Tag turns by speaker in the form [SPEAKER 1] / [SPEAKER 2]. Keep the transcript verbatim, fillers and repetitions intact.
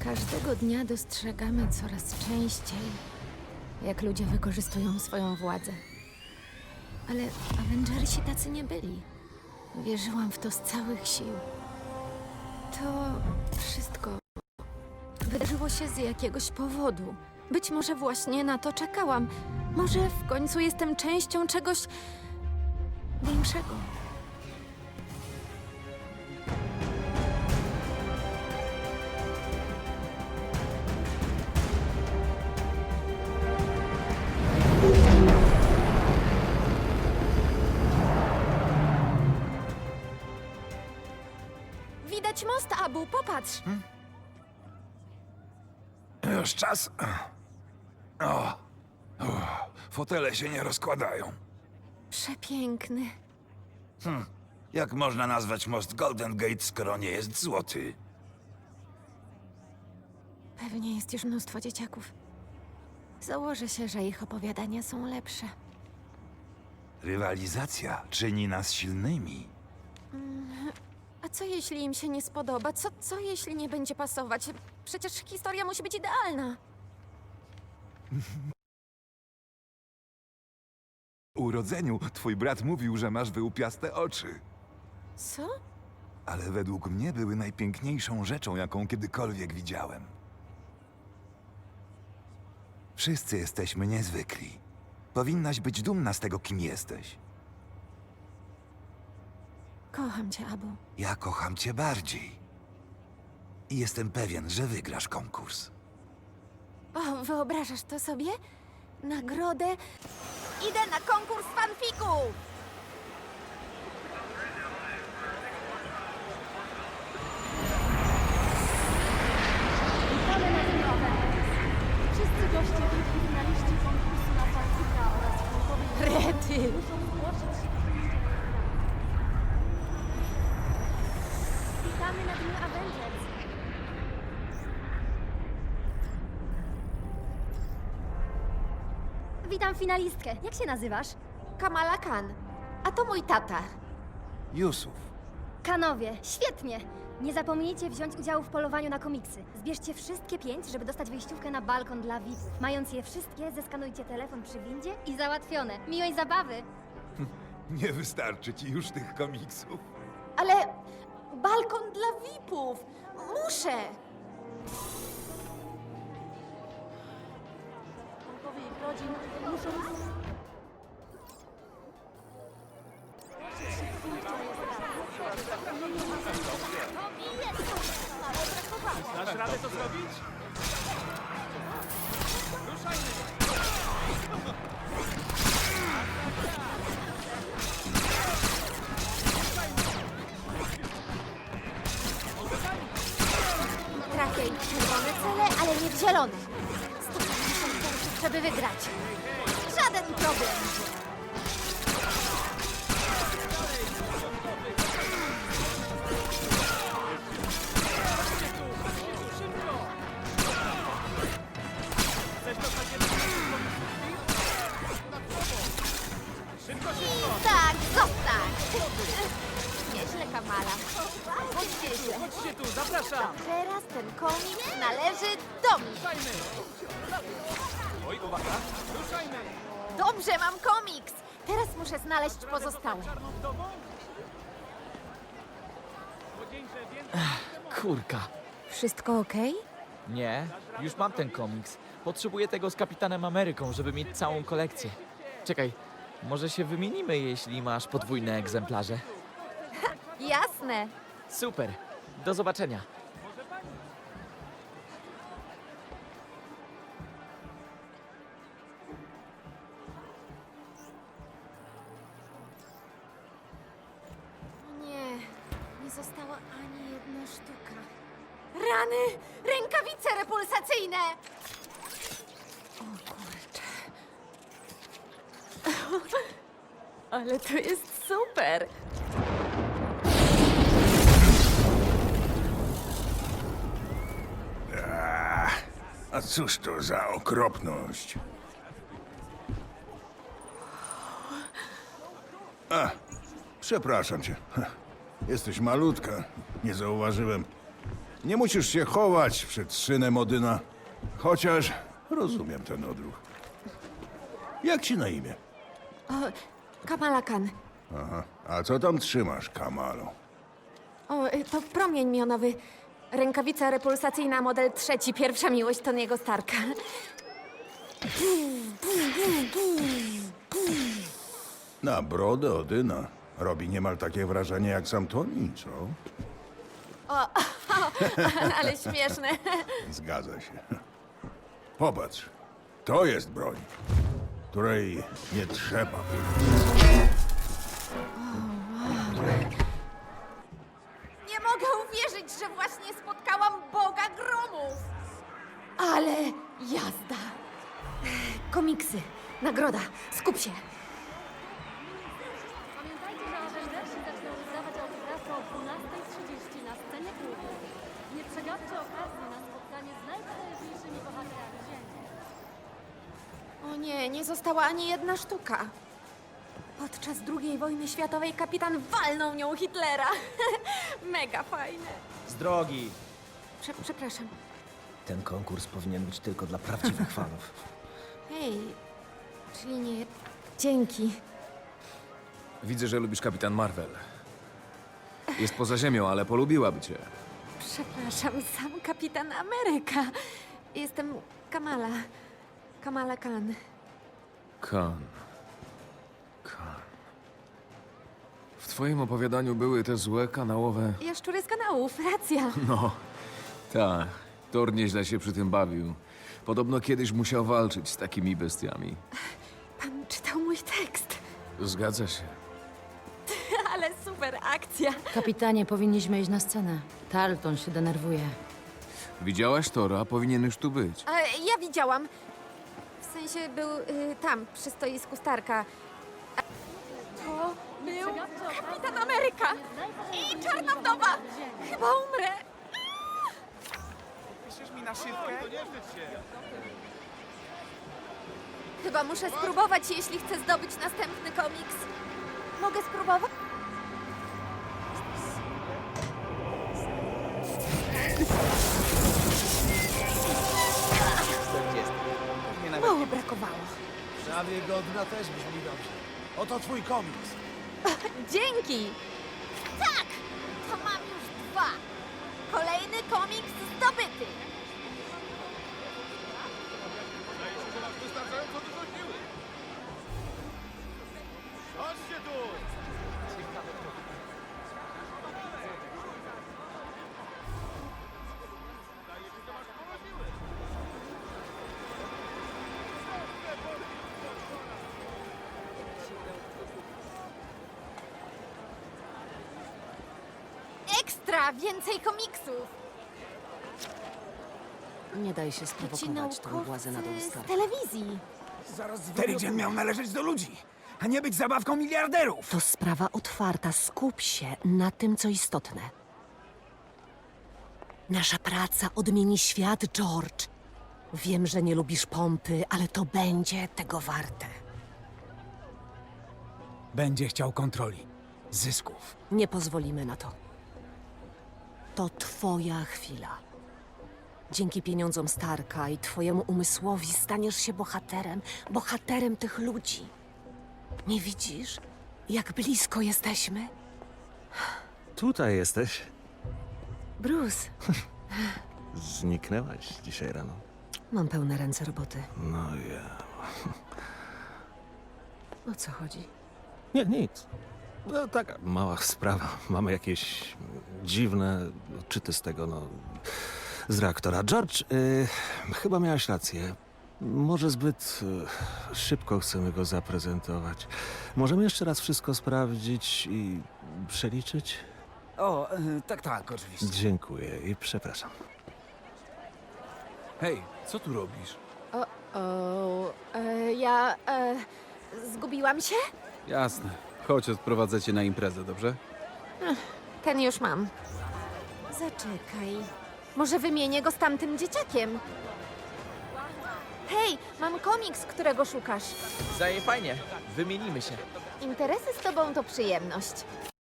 [SPEAKER 1] Każdego dnia dostrzegamy coraz częściej, jak ludzie wykorzystują swoją władzę. Ale Avengersi tacy nie byli. Wierzyłam w to z całych sił. To wszystko wydarzyło się z jakiegoś powodu. Być może właśnie na to czekałam. Może w końcu jestem częścią czegoś większego. Widać most, Abu, popatrz!
[SPEAKER 2] Już czas? O, o, fotele się nie rozkładają.
[SPEAKER 1] Przepiękny.
[SPEAKER 2] Jak można nazwać most Golden Gate, skoro nie jest złoty?
[SPEAKER 1] Pewnie jest już mnóstwo dzieciaków. Założę się, że ich opowiadania są lepsze.
[SPEAKER 2] Rywalizacja czyni nas silnymi.
[SPEAKER 1] A co jeśli im się nie spodoba? Co, co jeśli nie będzie pasować? Przecież historia musi być idealna.
[SPEAKER 2] Po urodzeniu twój brat mówił, że masz wyłupiaste oczy.
[SPEAKER 1] Co?
[SPEAKER 2] Ale według mnie były najpiękniejszą rzeczą, jaką kiedykolwiek widziałem. Wszyscy jesteśmy niezwykli. Powinnaś być dumna z tego, kim jesteś.
[SPEAKER 1] Kocham cię, Abu.
[SPEAKER 2] Ja kocham cię bardziej. I jestem pewien, że wygrasz konkurs.
[SPEAKER 1] O, wyobrażasz to sobie? Nagrodę? Idę na konkurs fanfików!
[SPEAKER 3] Witamy na tym Avengers. Wszyscy goście byli finaliści konkursu na fanfika oraz fankowej
[SPEAKER 1] Rety!
[SPEAKER 3] muszą zgłosić się do wyjścia na ekran. Witamy na dniu Avengers. Witam finalistkę. Jak się nazywasz?
[SPEAKER 1] Kamala Khan. A to mój tata.
[SPEAKER 2] Yusuf.
[SPEAKER 3] Kanowie. Świetnie! Nie zapomnijcie wziąć udziału w polowaniu na komiksy. Zbierzcie wszystkie pięć, żeby dostać wejściówkę na balkon dla V I P-ów. Mając je wszystkie, zeskanujcie telefon przy windzie i załatwione. Miłej zabawy!
[SPEAKER 2] Nie wystarczy ci już tych komiksów.
[SPEAKER 1] Ale balkon dla V I P-ów! Muszę!
[SPEAKER 3] Członkowie ich rodzin muszą...
[SPEAKER 4] Dasz radę to zrobić? Ruszajmy!
[SPEAKER 1] Trafię ich w czerwone cele, ale nie w zielone. sto pięćdziesiąt punktów, żeby wygrać. Żaden problem.
[SPEAKER 4] Szybko, szybko!
[SPEAKER 1] Tak, zostań! Nieźle, Kamala. Chodźcie się.
[SPEAKER 4] Chodźcie tu, zapraszam!
[SPEAKER 1] Teraz ten komiks należy do mnie.
[SPEAKER 4] Ruszajmy! Oj, uwaga! Ruszajmy!
[SPEAKER 1] Dobrze, mam komiks. Teraz muszę znaleźć pozostałe.
[SPEAKER 4] Czarną wdową? Młodzieńcze, więcej...
[SPEAKER 5] Kurka.
[SPEAKER 1] Wszystko okej?
[SPEAKER 5] Nie, już mam ten komiks. Potrzebuję tego z Kapitanem Ameryką, żeby mieć całą kolekcję. Czekaj, może się wymienimy, jeśli masz podwójne egzemplarze.
[SPEAKER 1] Jasne.
[SPEAKER 5] Super, do zobaczenia.
[SPEAKER 1] Nie, nie została ani jedna sztuka. Rany! Rękawice repulsacyjne! O kurczę. Ale to jest super!
[SPEAKER 6] A cóż to za okropność? A, przepraszam cię. Jesteś malutka. Nie zauważyłem. Nie musisz się chować przed synem Odyna. Chociaż rozumiem ten odruch. Jak ci na imię?
[SPEAKER 1] O, Kamala Khan.
[SPEAKER 6] Aha. A co tam trzymasz, Kamalo?
[SPEAKER 1] O, y, to promień mionowy. Rękawica repulsacyjna model trzeci. Pierwsza miłość Tony'ego Starka.
[SPEAKER 6] Na brodę Odyna. Robi niemal takie wrażenie jak sam Tony, co?
[SPEAKER 1] Ale śmieszne.
[SPEAKER 6] Zgadza się. Popatrz. To jest broń, której nie trzeba.
[SPEAKER 1] Nie mogę uwierzyć, że właśnie spotkałam Boga Gromów. Ale jazda. Komiksy. Nagroda. Skup się.
[SPEAKER 7] Pamiętajcie, że Avengersi zaczną rozdawać autografy o dwunastej trzydzieści na scenie klubu. Nie przegapcie okazji na spotkanie z najpotężniejszymi bohaterami Ziemi.
[SPEAKER 1] O nie, nie została ani jedna sztuka. Podczas drugiej wojny światowej kapitan walnął nią Hitlera. Mega fajne.
[SPEAKER 5] Z drogi!
[SPEAKER 1] Prze przepraszam.
[SPEAKER 8] Ten konkurs powinien być tylko dla prawdziwych fanów.
[SPEAKER 1] Hej, czyli nie... Dzięki.
[SPEAKER 9] Widzę, że lubisz Kapitan Marvel. Jest poza ziemią, ale polubiłaby cię.
[SPEAKER 1] Przepraszam, sam kapitan Ameryka. Jestem Kamala. Kamala Khan.
[SPEAKER 9] Khan. Khan. W twoim opowiadaniu były te złe kanałowe...
[SPEAKER 1] Jaszczury z kanałów, racja.
[SPEAKER 9] No, tak. Thor nieźle się przy tym bawił. Podobno kiedyś musiał walczyć z takimi bestiami.
[SPEAKER 1] Pan czytał mój tekst.
[SPEAKER 9] Zgadza się.
[SPEAKER 1] Ale super akcja.
[SPEAKER 10] Kapitanie, powinniśmy iść na scenę. Tarleton się denerwuje.
[SPEAKER 9] Widziałaś Tora? Powinien już tu być.
[SPEAKER 1] A, ja widziałam. W sensie był y, tam, przy stoisku Starka. A to był kapitan Ameryka i Czarna Wdowa. Chyba umrę.
[SPEAKER 5] Piszesz mi na szybkę?
[SPEAKER 1] Chyba muszę spróbować, jeśli chcę zdobyć następny komiks. Mogę spróbować? Mało brakowało.
[SPEAKER 8] Prawie godna też brzmi dobrze. Oto twój komiks.
[SPEAKER 1] Dzięki! Tak! To mam już dwa. Kolejny komiks zdobyty. Ekstra! Więcej komiksów!
[SPEAKER 10] Nie daj się
[SPEAKER 1] Ci
[SPEAKER 10] sprowokować tą władzę na dół
[SPEAKER 1] naukowcy z
[SPEAKER 10] Starka.
[SPEAKER 1] telewizji.
[SPEAKER 8] Terigen miał należeć do ludzi, a nie być zabawką miliarderów.
[SPEAKER 10] To sprawa otwarta. Skup się na tym, co istotne. Nasza praca odmieni świat, George. Wiem, że nie lubisz pompy, ale to będzie tego warte.
[SPEAKER 8] Będzie chciał kontroli, zysków.
[SPEAKER 10] Nie pozwolimy na to. To twoja chwila. Dzięki pieniądzom Starka i twojemu umysłowi staniesz się bohaterem, bohaterem tych ludzi. Nie widzisz, jak blisko jesteśmy?
[SPEAKER 11] Tutaj jesteś.
[SPEAKER 10] Bruce,
[SPEAKER 11] Zniknęłaś dzisiaj rano.
[SPEAKER 10] mam pełne ręce roboty.
[SPEAKER 11] No ja.
[SPEAKER 10] O co chodzi?
[SPEAKER 11] Nie, nic. No, taka mała sprawa. Mamy jakieś dziwne odczyty z tego, no. Z reaktora. George, y, chyba miałaś rację. Może zbyt y, szybko chcemy go zaprezentować. Możemy jeszcze raz wszystko sprawdzić i przeliczyć?
[SPEAKER 8] O, e, tak, tak, oczywiście.
[SPEAKER 11] Dziękuję i przepraszam.
[SPEAKER 9] Hej, co tu robisz?
[SPEAKER 1] O, o, e, ja e, zgubiłam się?
[SPEAKER 9] Jasne. Chodź, odprowadzę cię na imprezę, dobrze?
[SPEAKER 1] Ten już mam. Zaczekaj. Może wymienię go z tamtym dzieciakiem? Hej, mam komiks, którego szukasz.
[SPEAKER 5] Zaje fajnie. Wymienimy się.
[SPEAKER 1] Interesy z tobą to przyjemność.